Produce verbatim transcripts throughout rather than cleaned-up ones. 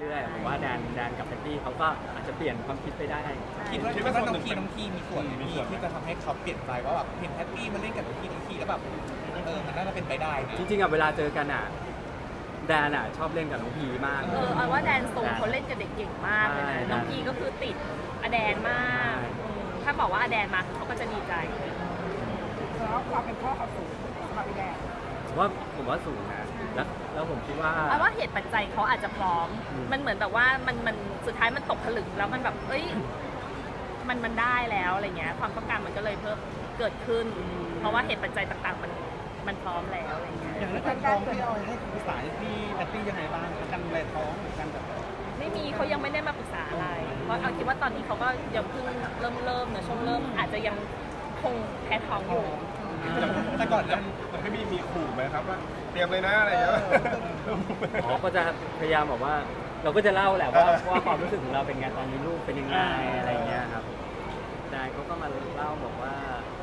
เรื่อยๆผมว่าแดนแดนกับแพตตี้เขาก็อาจจะเปลี่ยนความคิดไปได้คิดว่าคิดว่าน้องทีน้องทีมีส่วนมีที่จะทำให้เขาเปลี่ยนใจว่าแบบเห็นแพตตี้มาเล่นกับน้องทีน้องทีแล้วแบบเออมันน่าจะเป็นไปได้นะจริงๆอ่ะเวลาเจอกันอ่ะแดนอ่ะชอบเล่นกับน้องพีมากเออเอาว่าแดนโซเขาเล่นกับเด็กเก่งมากเลยนะน้องพีก็คือติดอแดนมากถ้าบอกว่าอแดนมาเขาก็จะดีใจแล้วความเป็นพ่อเขาสูงสำหรับพี่แดนผมว่าผมว่าสูงนะแล้วแล้วผมคิดว่าเอาว่าเหตุปัจจัยเขาอาจจะพร้อมมันเหมือนแบบว่ามันมันสุดท้ายมันตกผลึกแล้วมันแบบเอ้ยมันมันได้แล้วอะไรเงี้ยความต้องการมันก็เลยเพิ่มเกิดขึ้น เพราะว่าเหตุปัจจัยต่างๆมันมันพร้อมแล้วอะไรเงี้ยอย่างเรื่องการท้องพี่ออยให้ปรึกษาพี่แพตตี้ยังไงบ้างการดูแลท้องการแบบไม่มีเขายังไม่ได้มาปรึกษาอะไรเพราะเอาคิดว่าตอนนี้เขาก็ยังเพิ่งเริ่มเริ่มนะช่วงเริ่มอาจจะยังคงแพ้ท้องอยู่แต่ก่อนนั้นมันไม่มีมีขู่ไหมครับว่าเตรียมเลยนะอะไรอย่างเงี้ยอ๋อก็จะพยายามบอกว่าเราก็จะเล่าแหละว่าว่าความรู้สึกของเราเป็นไงตอนนี้ลูกเป็นยังไงอะไรเงี้ยครับนายเขาก็มาเล่าบอกว่า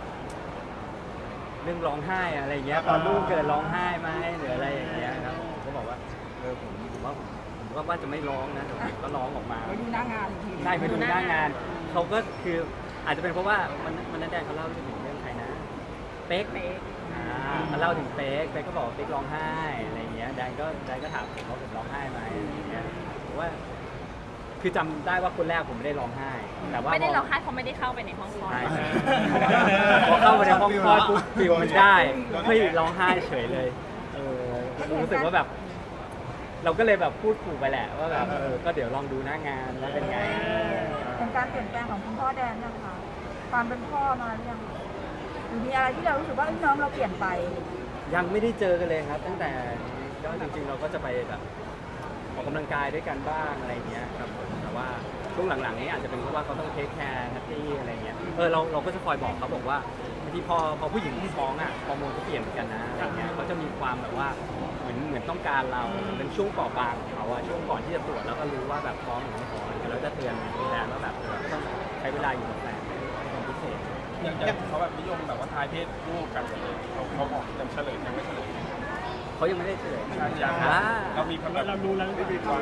เรื่องร้องไห้อะไรเงี้ยตอนลูกเกิดร้องไห้ไหมหรืออะไรอย่างเงี้ยครับผมก็บอกว่าเออผมผมว่าผมก็ว่าจะไม่ร้องนะแต่ผมก็ร้องออกมาไปดูหน้างานทีใช่ไปดูหน้างานเขาก็คืออาจจะเป็นเพราะว่ามันมันนั่นแดงเขาเล่าถึงเรื่องใครนะเป๊กอ่าเขาเล่าถึงเป๊กเป๊กก็บอกเป๊กร้องไห้อะไรเงี้ยแดงก็แดงก็ถามผมว่าผมร้องไห้ไหมอะไรเงี้ยผมว่าคือจำได้ว่าคนแรกผมไม่ได้ร้องไห้แต่ว่าไม่ได้ร้องไห้เพราะไม่ได้เข้าไปในห้องคลอดพอเข้าไปในห้องคลอดปุ๊บฟิลมันได้ไม่ร้องไห้เฉยเลยเออรู้สึกว่าแบบเราก็เลยแบบพูดขู่ไปแหละว่าแบบเออก็เดี๋ยวลองดูหน้างานแล้วเป็นไงเป็นการเปลี่ยนแปลงของคุณพ่อแดนนะคะความเป็นพ่อมาหรือยังหรือมีอะไรที่เรารู้สึกว่าน้องเราเปลี่ยนไปยังไม่ได้เจอกันเลยครับตั้งแต่ก็จริงๆเราก็จะไปแบบออกกำลังกายด้วยกันบ้างอะไรเงี้ยครับแต่ว่าช่วงหลังๆนี้อาจจะเป็นเพราะว่าเขาต้องเทคแคร์นัตตี้อะไรเงี้ยเออเราเราก็จะคอยบอกเขาบอกว่าบางทีพอพอผู้หญิงที่ท้องอ่ะฮอร์โมนก็เปลี่ยนเหมือนกันนะอะไรเงี้ยเขาจะมีความแบบว่าเหมือนเหมือนต้องการเราเป็นช่วงเปราะบางของเขาอะช่วงก่อนที่จะตรวจแล้วก็รู้ว่าแบบท้องหรือไม่ท้องเราจะเตือนแฟนว่าแบบต้องใช้เวลาอยู่กับแฟนเป็นพิเศษอย่างเขาแบบนิยมแบบว่าทายเพศลูกกันเขาเขาบอกยังเฉลยยังไม่เฉลยเขายังไม่ได้เฉลยยังเรามีคำเรารู้แล้วไม่มีความ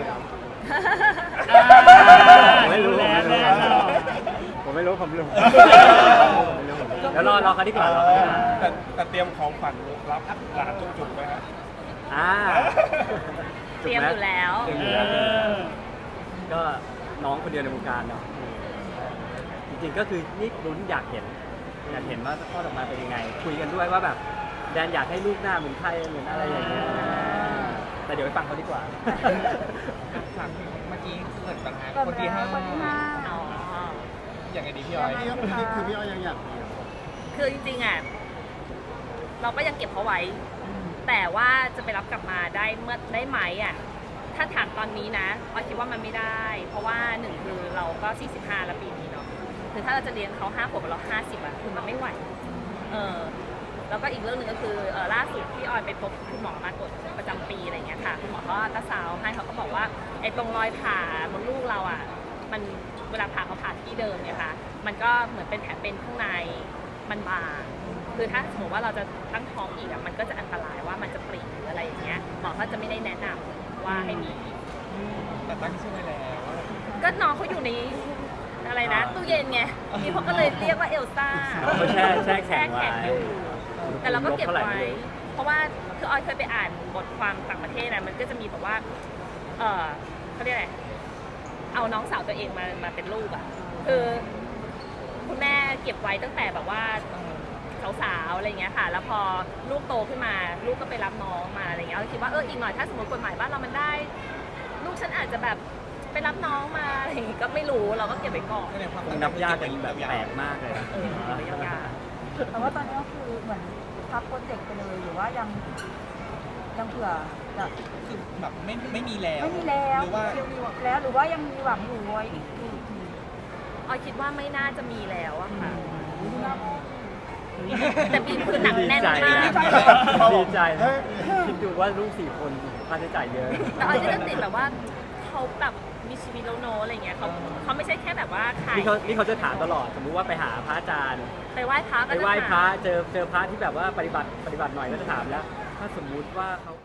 ไม่รู้แล้วผมไม่รู้ผมรู้แล้วรอรอเขาดีกว่าแต่แต่เตรียมของขวัญรับหลานจุกๆไหมฮะอ่าเตรียมอยู่แล้วก็น้องคนเดียวในวงการเนาะจริงๆก็คือนี่ลุ้นอยากเห็นอยากเห็นว่าพ่อออกมาเป็นยังไงคุยกันด้วยว่าแบบแดนอยากให้ลูกหน้าเหมือนใครเหมือนอะไรอย่างเงี้ยแต่เดี๋ยวไปฟังเขาดีกว่าเมื่อกี้เกิดปัญหาคนที่ห้าอย่างไงดีพี่ออยคือพี่ออยยังอยากคือจริงๆอ่ะเราก็ยังเก็บเขาไว้แต่ว่าจะไปรับกลับมาได้เมื่อได้ไหมอ่ะถ้าถามตอนนี้นะออยคิดว่ามันไม่ได้เพราะว่าหนึ่งคือเราก็สี่สิบห้าแล้วปีนี้เนาะคือถ้าเราจะเลี้ยงเขาห้าขวบกับเราห้าสิบอ่ะคือมันไม่ไหวเออแล้วก็อีกเรื่องหนึ่งก็คือเออล่าสุดที่ออยไปพบคุณหมอมาตรวจประจำปีอะไรเงี้ยค่ะคุณหมอก็อัลตราซาวด์ให้เขาก็บอกว่าไอ้ตรงรอยผ่ามดลูกเราอ่ะมันเวลาผ่าเขาผ่าที่เดิมเนี่ยค่ะมันก็เหมือนเป็นแผลเป็นข้างในมันบางคือถ้าสมมติว่าเราจะตั้งท้องอีกอ่ะมันก็จะอันตรายว่ามันจะปริหรืออะไรอย่างเงี้ยหมอก็จะไม่ได้แนะนำว่าให้มีแต่ตั้งชื่อไว้แล้วก็น้องเขาอยู่ในอะไรนะตู้เย็นไงนี่เขาก็เลยเรียกว่าเอลซ่าแช่แช่แข็งไว้แต่เราก็เก็บไว้เพราะว่าคือออยเคยไปอ่านบทความต่างประเทศนะมันก็จะมีแบบว่าเออเขาเรียกอะไรเอาน้องสาวตัวเองมามาเป็นลูกอ่ะคือคุณแม่เก็บไว้ตั้งแต่แบบว่าสาวๆอะไรเงี้ยค่ะแล้วพอลูกโตขึ้นมาลูกก็ไปรับน้องมาอะไรเงี้ยเราคิดว่าเอออีกหน่อยถ้าสมมติกฎหมายบ้านเรามันได้ลูกฉันอาจจะแบบไปรับน้องมาอะไรอย่างงี้ก็ไม่รู้เราก็เก็บไว้ก่อนนับยากกันแบบแปลกมากเลยเออยากแต่ว่าตอนนี้ก็คือเหมือนพับโปรเจกต์ไปเลยหรือว่ายังยังเผื่อจะคือแบบไม่ไม่มีแล้วไม่มีแล้วหรือว่าแล้วหรือว่ายังมีหวังอยู่ไว้อีกทีออยคิดว่าไม่น่าจะมีแล้วอะค่ะแต่บีมคือหนักแน่นมากดีใจคิดดูว่าลูกสี่คนค่าใช้จ่ายเยอะแต่ออยก็จะติดแบบว่าเขาแบบมีชีวิตโนอะไรเงี้ยเขาเขาไม่ใช่แค่แบบว่าขายนี่เขานี่เขาจะถามตลอดสมมุติว่าไปหาพระอาจารย์ไปไหว้พระไปไหว้พระเจอเจอพระที่แบบว่าปฏิบัติปฏิบัติหน่อยก็จะถามแล้วถ้าสมมุติว่าเขา